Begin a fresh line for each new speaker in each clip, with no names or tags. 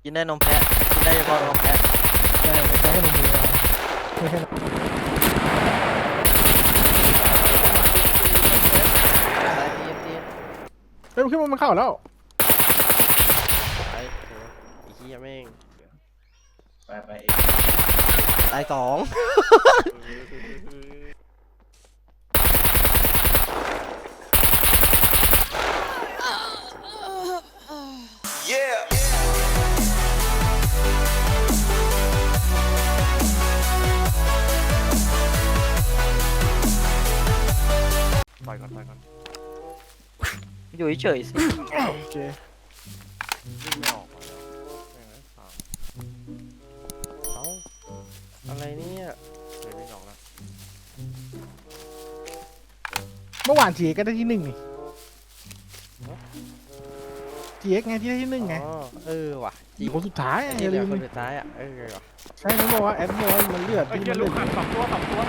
กินได้นมแพะกินได้เฉพาะนมแพะ
ใช่ไม่ใช่แค่ในมือเราไม่ใช่เฮ้ยมันขึ้นมามันเข้าแล้ว
ไอ้เหี้ยแม่ง
ไป
ตายสอง
ปล่อยก่อน
อยู่เฉยๆสิ
โอเค
วิ่งไม่ออกมาแล้วแม่งไอ้สาม
เอ้าอะไรเนี่ย
เลยวิ่งออกแล้ว
เมื่อวานจีก็ได้ที่1นี่จีเอ็กไงที่ได้ที่1ไง
อ๋อว่ะจริ
อี
ง
กคนสุดท้าย
ไอ้
อ
ที่
ย่า
เหลื
ลื
อ
ม
คนสุดท้ายว่ะ
ใช่เขาบอกว่าแอดบอกว่ามันเลือด
ไอ้
ที่
เหี้ย
มัน
ลู
เลือก ด
หัน2 ตัว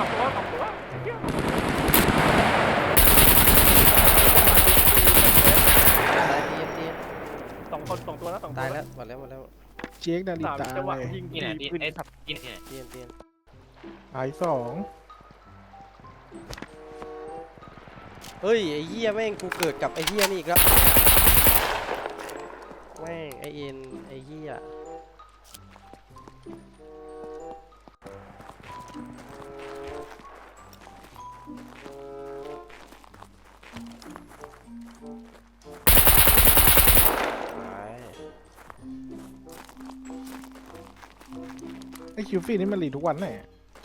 2 ตัวนะ2 ตัว
ตายแล้วหมดแล้ว
จีเอ็กนาฬิ
สาม
ตา
จังหวะ
เลย
ยิง
นี่แหละที่
ขึ้น
ไอ้กินเนี่ย
เตียน
หาย2
เฮ้ยไอ้เหี้ยแม่งกูเกิดกับไอ้เหี้ยนี่อีกแล้วแม่งไอ้เอ็นไอ้เหี้ย
ไอคิวฟี่นี่มันรีทุกวันแน่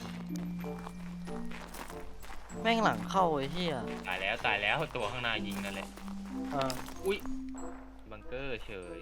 แม่งหลังเข้าไอ้เหี้ย
ตายแล้วตัวข้างหน้ายิงนั่นแหละ
อ่า
บังเกอร์เฉย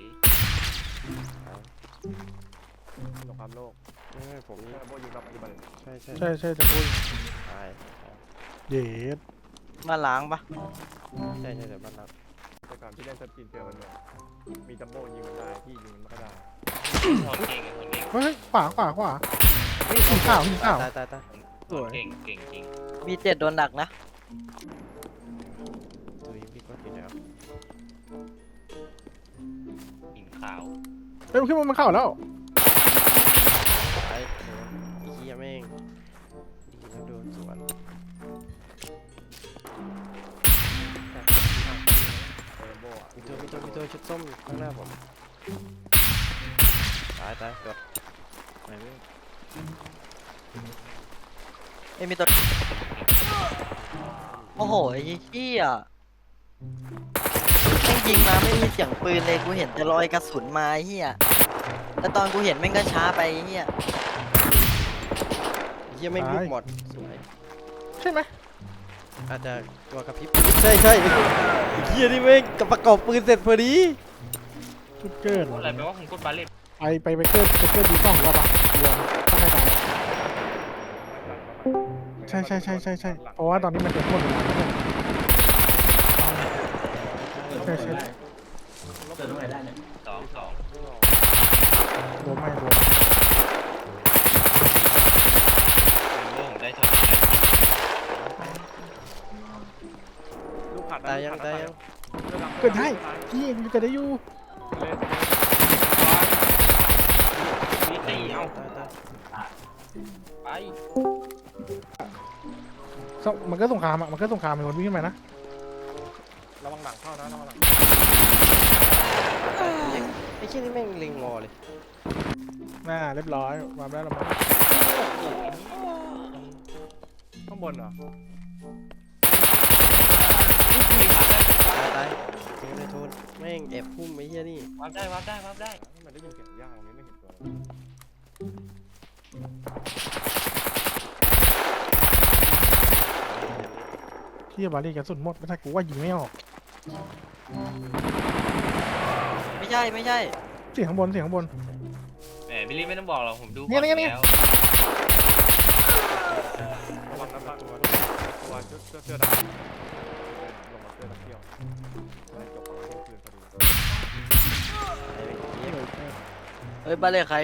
สงครามโลก
ผมนี่
โบยิงกับปัจจุบัน
ใช่
ใช่จะพูด
ตาย
เย็ด
มาล้างปะ
ใช่แต่บ้านเรา
แต่ก่อนที่เล่นสตีนเจอมันเนี่ยมีจัมโบ้ยิงมันได้ที่ยิงมันไม่ค่อยได้
คนเก่ง
เฮ้ยขวาหินข้าว
ตาย
เก่งจริง
มี7โดนหนักนะ
ดูยิงพี่ก็ทีแล้ว
หินขาว
เฮ้ยมันขึ้นมามันเข้าแล้ว
ไอ้เหี้ยแม่งยิงแล้วโดนสวน
โบอ่ะ
มีตัวชุดส้มข้างหน้าผมตายตัวไหนไม่
ไอ้มีตัวโอ้โหไอ้เหี้ยแม่งยิงมาไม่มีเสียงปืนเลยกูเห็นแต่รอยกระสุนมาไอ้เหี้ยแต่ตอนกูเห็นแม่งก็ช้าไปไอ้เหี้ย
เหี้ยแม่งลูกหมดสวย
ใช่ไหม
อาจจะตัวกระพริบใช่เหี้ยนี่แม่งกับประกอบปืนเสร็จพอดี
ชุดเกิน
อะไรแปลว่าคุณพูดบาเล่
ไปเกิดดี2รอบปะรวมตั้งแต่ใช่เพราะว่าตอนนี้มันจะหมดเวลาแล้วใช่
2
รวมไม่รวม
โล่งได้ช็อต
ลูกผัด
ตายยัง
เกิดได้พี่มันเกิดได้อยู่
มีตีเอา
ตาย
ไป
มันก็สงครามมันก็สงครามเป็นคนวิ่งขึ้นมานะ
ระวังหลังเข้านะระวังหลัง
ไอ้เหี้ยนี่แม่งเล็งงอเลย
เรียบร้อยวางได้แล้วมั้ง
ข้างบนเหรอ
ตายเจอเลยโทนแม่งแอบพุ่มไอ้เหี้ยนี่
วับได้
มันได้ยินเสียงย่างนี้ไม่เห็นตัว
ที่บาลีกระสุนหมดไม่ใช่กูว่ายิงไม่ออก
ไม่ใช่
เสียงข้างบน
แหมบิลลี่ไม่ต้องบอกหรอกผมดู
เนี่ย
แล้ว
ระวังนะตัวเสื้อดำลงมาเสื้อดำเที่ยวจบประมาณเที่ยงคืนพอดี
เฮ้ยบ้านเลขใคร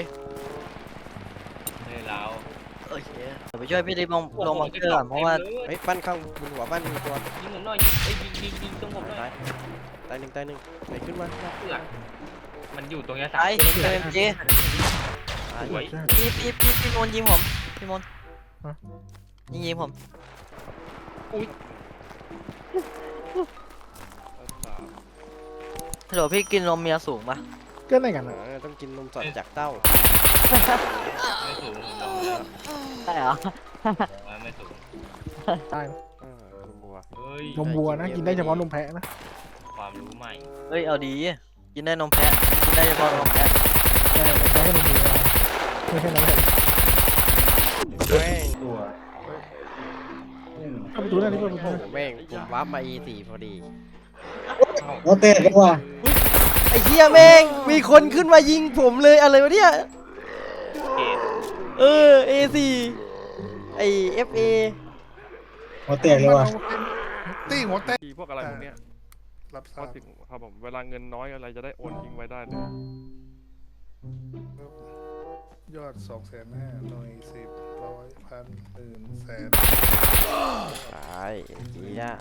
เลยเรา
โอเคเดี๋ยวไปช่วยพี่ดิลงบังเกอร์ก่อนเพราะว่า
เฮ้ยบ้านข้างบนหัวบ้านมีตัว
ยิงผมหน่อยยิงตรงผมหน่อย
ตายหนึ่งไหนขึ้นมา
เพื่อนมันอยู่ตรงเนี้ย
ไอ้
สาม
เอ็มจี
สวย
พี่มนยิงผมพี่มนยิงผม ฮัลโหลพี่กินนมเมียสูงปะ
ก็ไหนกันนะ
ต้องกินนมสดจากเต้า
ไม่สูงผมลองแล้ว
ใช่เหรอ
ไม่สูง
ได้
นมวัว
เฮ้ย
นมวัวนะกินได้เฉพาะนมแพะนะ
ความรู้ใหม่
เฮ้ยเอาดีกินได้นมแพะกินได้เฉพาะนมแพะ
ใช่นมแพะก็นมวัวไม่ใช่นมแพะ
แม่ง
เข้าประตูได้นี่เปิดประตู
แม่งผมวาร์ปมา E4 พอดี
เราเตะกันว่ะ
ไอ้เหี้ยแม่งมีคนขึ้นมายิงผมเลยอะไรวะเนี่ย
เกต
A4 ไอ้ FA
เราเตะกันว่ะ
ตีหัวเตะพวกอะไรพวกเนี้ยรับทราบครับผมเวลาเงินน้อยอะไรจะได้โอนทิ้งไว้ได้เลย
ยอด250,000หน่วย10 100 1,000 10,000 แสน
ตายเจี๊ย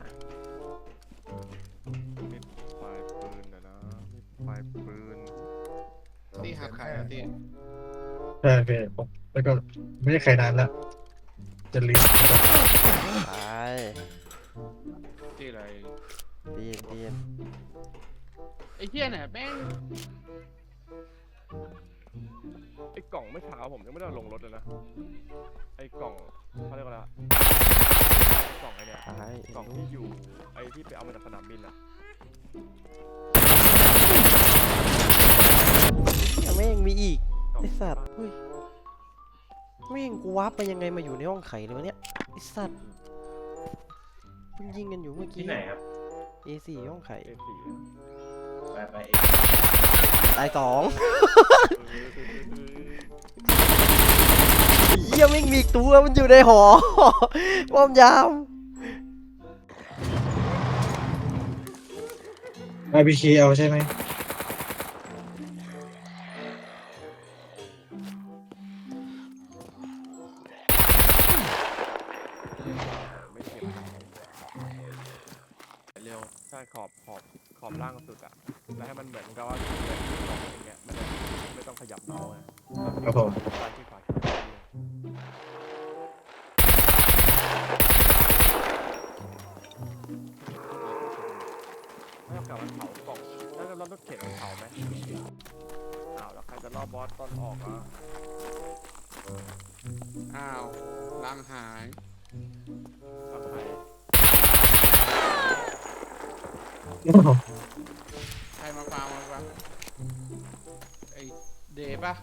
มีปลายปืนนะมีปลายปืน
ตีหักขายตี
ใช่พี่ผมแล้วก็ไม่ใช่ใครนานแล้ว จะลืม
ตาย
ตีอะไร
ตีน
ไอ้เหี้ยเนี่ยแม่ง
ไอ้กล่องเมื่อเช้าผมยังไม่ได้เอาลงรถเลยนะไอ้กล่องเขาเรียกว่าอะไรอะไอ้กล่องไอ้เนี่ย
ตาย
กล่องที่อยู่ไอ้ที่ไปเอามาจากสนามบินอะ
แม่งมีอีก
กล่อง
ไอ้สัตว์เฮ้ยแม่งกูวาร์ปไปยังไงมาอยู่ในห้องไข่เลยวะเนี่ยไอ้สัตว์เพิ่งยิงกันอยู่เมื่อกี้
ที่ไหนครับ
A4 ห้องไข่
A4
ไป
ตาย2เหี้ยแม่งมีอีกตัวมันอยู่ในหอ ป้อมยาม
RPK เอาใช่ไหม
ไม่เก็บเร็วใช่ขอบล่างสุดอะแล้วให้มันเหมือนกับว่าเป็นกล่องอย่างเงี้ยมันจะไม่ต้องขยับเมาส์นะครับ
ผม
ซ้ายที่ขวาที่ซ้ายไม่เอากลับมาเผากล่องแล้วจะรอบรถเข็นเผาไหมอ้าวแล้วใครจะรอบบอสตอนออกอ่ะ
อ้าวล้างหาย
เอาใคร
ใครมาฟาร์มไอ้เดย์ป่ะ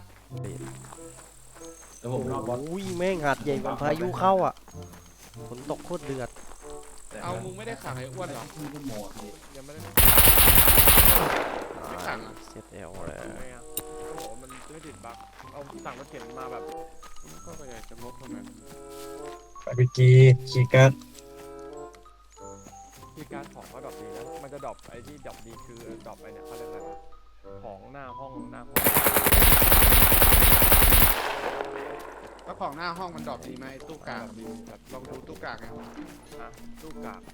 แล้วผมรอบบอส
อุ้ยแม่งหัดใหญ่กว่าพายุเข้าอ่ะฝนตกโคตรเดือด
เอามึงไม่ได้ขังไอ้อ้วนเหรอ
ที่ก็หมดเลย
ยังไม่ได้
ไม่ขังอ่ะ
เซตเอลแล้ว
ทำไมอ่ะโอ้โหมันไม่ติดบั๊กเอาสั่งรถเข็นมาแบบ
ก็อยากจะลบทำไม
RPK คีย์การ์ด
ที่การของก็ดรอปดีนะมันจะดรอปไอ้ที่ดรอปดีคือดรอปไอ้เนี่ยเขาเรียกอะไรวะของหน้าห้อง
แล้วของหน้าห้องมันดรอปดีไหมไอ้ตู้กาก
ดีแบบ
ลองดูตู้กากไง
ฮะลูกกาก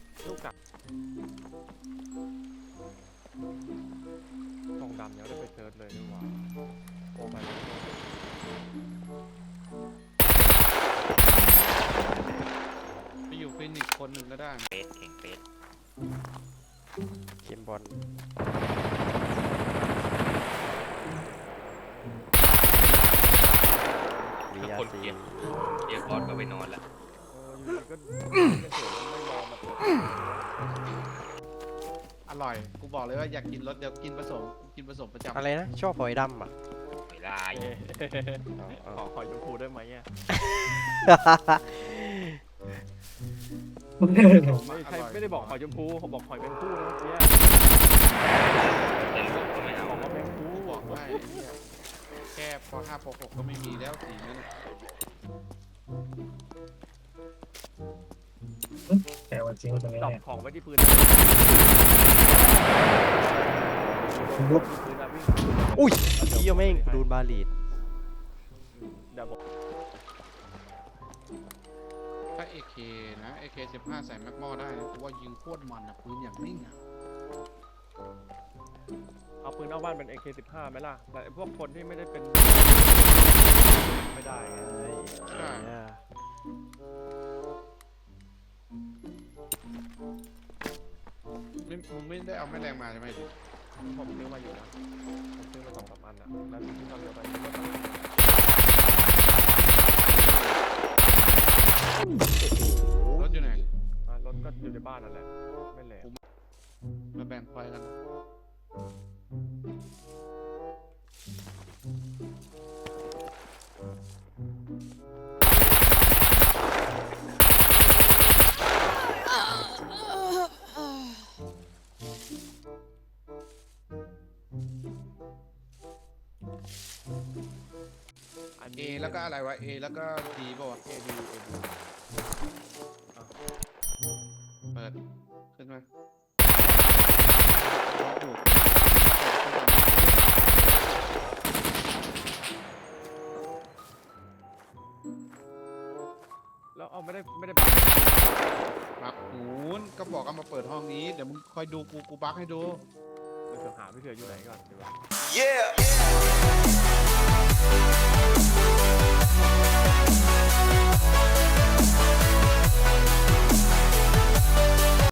ทองดำยังไม่ได้ไปเซิร์ชเลยดีกว่าโอ้ไปแล้ว
ไปอยู่ฟินิกซ์คนหนึ่งก็ได้
เปสเข่งเปส
เกมบอล
ทุกคนเกลียดบอสก็ไปนอนแล้ว
อยู่ดีก็เป็นเสือไม่ยอมมาเปิด
อร่อย กูบอกเลยว่าอยากกินรสเดียวกินผสมประจำ
อะไรนะชอบหอยดำอ่ะ
ไม่ได้
ขอหอยชมพูได้ไหมอ่ะไม่ใช่ไม่ได้บอกหอยชมพูผมบอกหอยแมงคู่นะเมื่อกี้
แต่ลูกก็ไม่เอา
บอกว่าแมงคู่
กูบอกว่าไอ้เหี้ยแค่พอ5พอ6ก็ไม่มีแล้วสีนั้นน่ะ
แต่วันจริงว่าตรงนี้
ดรอป
เนี่ย
ของไว้ที่พื้น
ลุก
พื้นนะวิ่ง
อุ้ยเหี้ยแม่งดูนบาลีด
เดี๋ยวบอก
ถ้า AK นะ AK 15ใส่แม็กมอได้นะกูว่ายิงโคตรมันอ่ะปืนอย่างนิ่งอ่ะ
เอาปืนเอาบ้านเป็น AK15 ไหมล่ะแต่พวกคนที่ไม่ได้เป็นไม่ได้ไง
เนี่ย
มึงไม่ได้เอาแม่แรงมาใช่ไหม
ผมซื้อมาอยู่นะผมซื้อมา2-3 อันนะแล้วที่ทำเดียวไปก็
รถอยู่ไหน
รถก็อยู่ในบ้านนั่นแหละไม่แหลม
มาแบ่งไฟกัน
อัน
เอ
นี้
แล้วก็อะไรวะ A แล้วก็ D ป่าวะ
AD
เปิด ขึ้นมา
แล้วเอาไม่ได้
ปักหูนก็บอกเอามาเปิดห้องนี้ เดี๋ยวมึงคอยดูกูบักให้ดู
เดี๋ยวหาพี่เถื่ออยู่ไหนก่อนดีกว่า
Yeah.